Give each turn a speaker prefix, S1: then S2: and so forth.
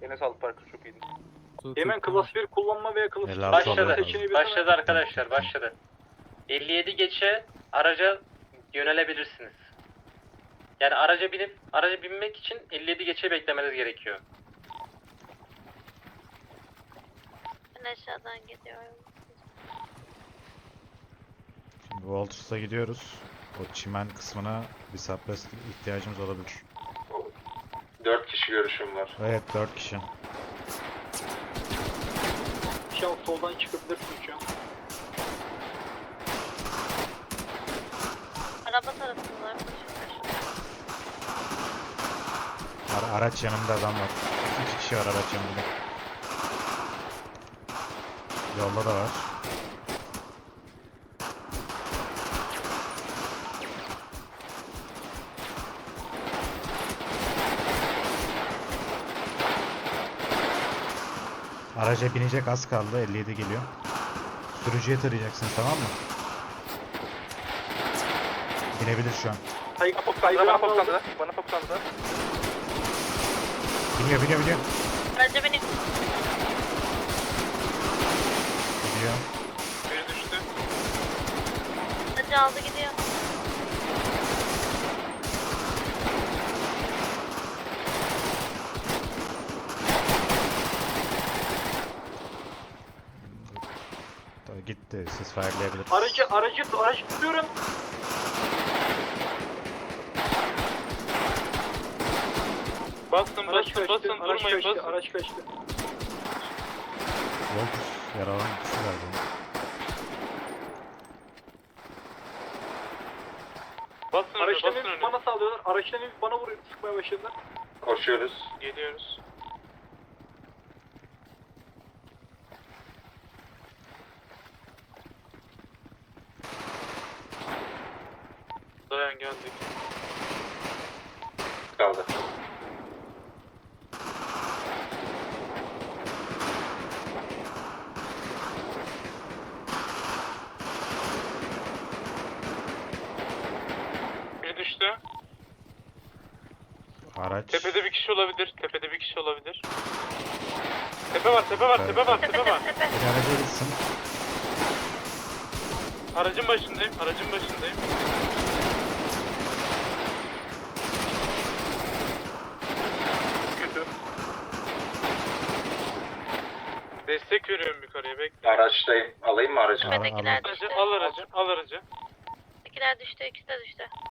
S1: Yine sağlık parkı çok iyiydi.
S2: Hemen klas 1 kullanma veya klas 2
S3: Başladı arkadaşlar, başladı. 57 geçe araca yönelebilirsiniz. Yani araca binmek için 57 geçe beklemeniz gerekiyor.
S4: Ben aşağıdan gidiyorum.
S5: Şimdi Walters'a gidiyoruz. O çimen kısmına bir suppress ihtiyacımız olabilir.
S3: 4 kişi görüşüm var.
S5: Evet 4 kişi.
S2: Şu an soldan çıkabilirsin şu an.
S4: Araba tarafındalar koşuyorlar.
S5: Araç yanımda adam var. 2 kişi var araç yanımda. Yolda da var. Araca binecek az kaldı. 57 geliyor. Sürücüye tarayacaksın tamam mı? Binebilir şu an.
S1: Bana foklandı. Bana foklandı.
S5: Biniyor.
S4: Araca benim.
S5: Gidiyor.
S3: Biri düştü.
S4: Aracı aldı gidiyor.
S5: Gitti. Siz fire'layabilirsiniz.
S2: Aracı tutuyorum.
S3: Basın,
S2: Araç kaçtı.
S3: basın,
S2: Araç
S3: durmayın,
S2: kaçtı.
S3: basın.
S2: Araç kaçtı.
S5: Walters yaralan kişi galiba.
S3: Basın
S2: Araçtan
S3: önüne,
S2: hep bana saldırıyorlar. Araçtan hep bana vuruyor. Sıkmaya başladılar.
S3: Koşuyoruz. Geliyoruz. Dayan geldik. Kaldı. Biri düştü.
S5: Araç.
S3: Tepede bir kişi olabilir. Tepede bir kişi olabilir. Tepe var, tepe var, tepe var, tepe var.
S5: Bir araca gitsin.
S3: Aracın başındayım, aracın başındayım.
S1: Kötü.
S3: Destek veriyorum yukarıya, bekle.
S6: Araçtayım. Alayım mı aracı?
S4: Tepedekiler
S3: Aracı,
S4: düştü.
S3: al aracı, al aracı.
S4: Tepedekiler düştü. İkisi de düştü.